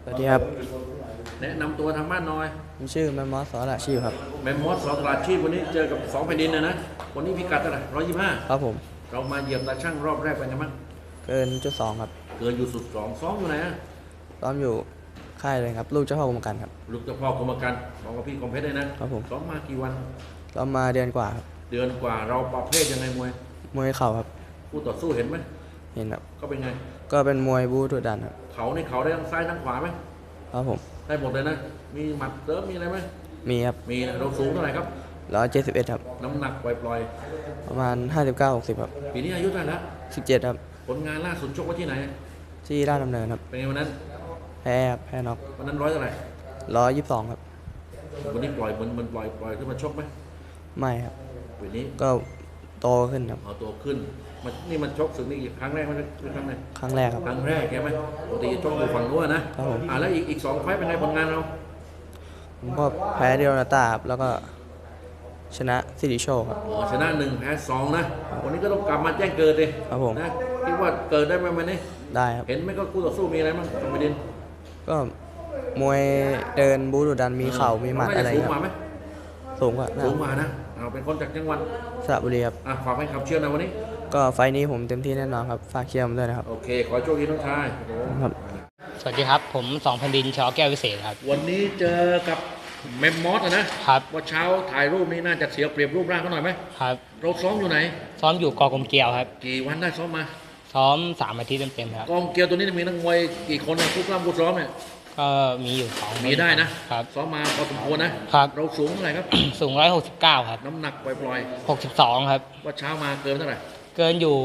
สวัสดีครับแนะนำตัวทางบ้านหน่อยผมชื่อแมมมอสสอระชีพครับแมมมอสสตราชีพวันนี้เจอกับสองแผ่นดินนะวันนี้พิกัดเท่าไหร่125 ครับผมเรามาเหยียบตาช่างรอบแรกเป็นไงบ้างเกินจุดสองครับเกินอยู่สุดสองซ้อมอยู่ไหนอะซ้อมอยู่ค่ายเลยครับลูกเจ้าพ่อกรมการครับลูกเจ้าพ่อกรมการของกับพี่คอมเพชรได้นะครับผมซ้อมมากี่วันซ้อมมาเดือนกว่าครับเดือนกว่าเราประเภทยังไงมวยมวยเข่าครับคู่ต่อสู้เห็นไหมเห็นครับก็เป็นไงก็เป็นมวยบู๊ดุดันครับเขาในเขาได้ทั้งซ้ายทั้งขวาไหมครับผมได้หมดเลยนะมีหมัดเติมมีอะไรไหมมีครับมีนะเราสูงเท่าไหร่ครับ 171ครับน้ำหนักปล่อยประมาณ59-60ครับปีนี้อายุเท่าไหร่แล้ว 17ครับผลงานล่าสุดชกไว้ที่ไหนที่ราชดำเนินครับเป็นไงวันนั้นแพ้ครับแพ้น็อกวันนั้นร้อยเท่าไหร่ 122ครับวันนี้ปล่อยมันปล่อยขึ้นมาชกไหมไม่ครับวันนี้ก็โตขึ้นครับเอาตัวขึ้นมันชกสึกนี่ครั้งแรกมันเป็นครั้งไหนครั้งแรกครับครั้งแรกใช่ไหมปกติชกอยู่ฝั่งนู้นนะครับผมแล้วอีกสองไฟต์เป็นไงผลงานเราผมก็แพ้เดียวนาตาครับแล้วก็ชนะสิริโชคครับชนะ1แพ้2นะวันนี้ก็ต้องกลับมาแจ้งเกิดเลยครับผมนะคิดว่าเกิดได้ไหมวันนี้ได้ครับเห็นไหมก็คู่ต่อสู้มีอะไรบ้างตรงประเด็นก็มวยเดินบูดุดันมีเข่ามีหมัดอะไรครับสูงกว่าไหมสูงกว่าสูงกว่านะเราเป็นคนจากจังหวัดสระบุรีครับฝากให้ขับเชื่อนะวันนี้ก็ไฟนี้ผมเต็มที่แน่นอนครับฝากเชียร์ผมด้วยนะครับโอเคขอโชคดีน้องชายครับสวัสดีครับผมสองแผ่นดินชอแก้ววิเศษครับวันนี้เจอกับเมมมอสนะครับว่าเช้าถ่ายรูปนี้น่าจะเสียเปรียบรูปร่างเขาหน่อยไหมครับเราซ้อมอยู่ไหนซ้อมอยู่กอกรมเกลียวครับกี่วันได้ซ้อมมาซ้อม3 อาทิตย์เต็มๆครับกองเกียวตัวนี้มีนักมวยกี่คนนะคู่กล้ามคู่ซ้อมเนี่ยก็มีอยู่2 มีได้นะครับซ้อมมาพอสมควรนะครับเราสูงเท่าไหร่ครับสูง169ครับน้ำหนักปล่อย 62ครับๆว่าเช้ามาเกินเท่าไหร่เกินอยู่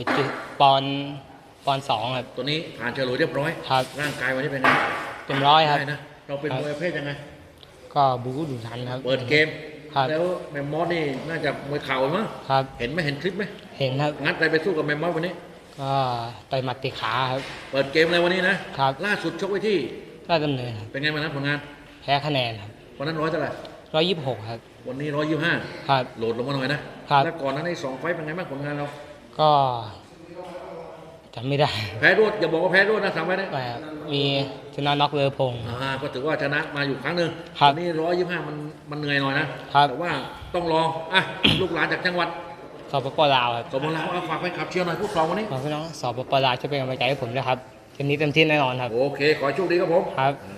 ปอนด์2ครับตัวนี้ผ่านเฉลยเรียบร้อยครับร่างกายวันนี้เป็นไงเต็มร้อยครับได้นะเราเป็นมวยประเภทยังไงก็บู๊ดุดันครับเปิดเกมครับแล้วแมมมอสนี่น่าจะมวยเข่ามั้งครับเห็นไหมเห็นคลิปไหมเห็นครับงัดอะไรไปสู้กับแมมมอสวันนี้ก็ต่อยหมัดตีขาครับเปิดเกมเลยวันนี้นะครับล่าสุดชกไว้ที่ราชดำเนินครับเป็นไงมานะผลงานแพ้คะแนนครับวันนั้นร้อยเท่าไหร่ 126ครับวันนี้125 ครับโหลดลงมาหน่อยนะครับแล้วก่อนนั้นใน2 ไฟต์เป็นไงบ้างผลงานเราก็จำไม่ได้แพ้รวดอย่าบอกว่าแพ้รวดนะ3 ไฟต์นะมีชนะน็อกเลอพงศ์ก็ถือว่าชนะมาอยู่ครั้งหนึ่งวันนี้125มันเหนื่อยหน่อยนะแต่ว่าต้องรอลูกหลานจากจังหวัดสปปลาวครับสปปลาวฝากไปขับเชียร์หน่อยผู้สองวันนี้ขอพี่น้องสปปลาวช่วยเป็นกำลังใจให้ผมด้วยครับเกมนี้เต็มที่แน่นอนครับโอเคขอโชคดีครับผมครับ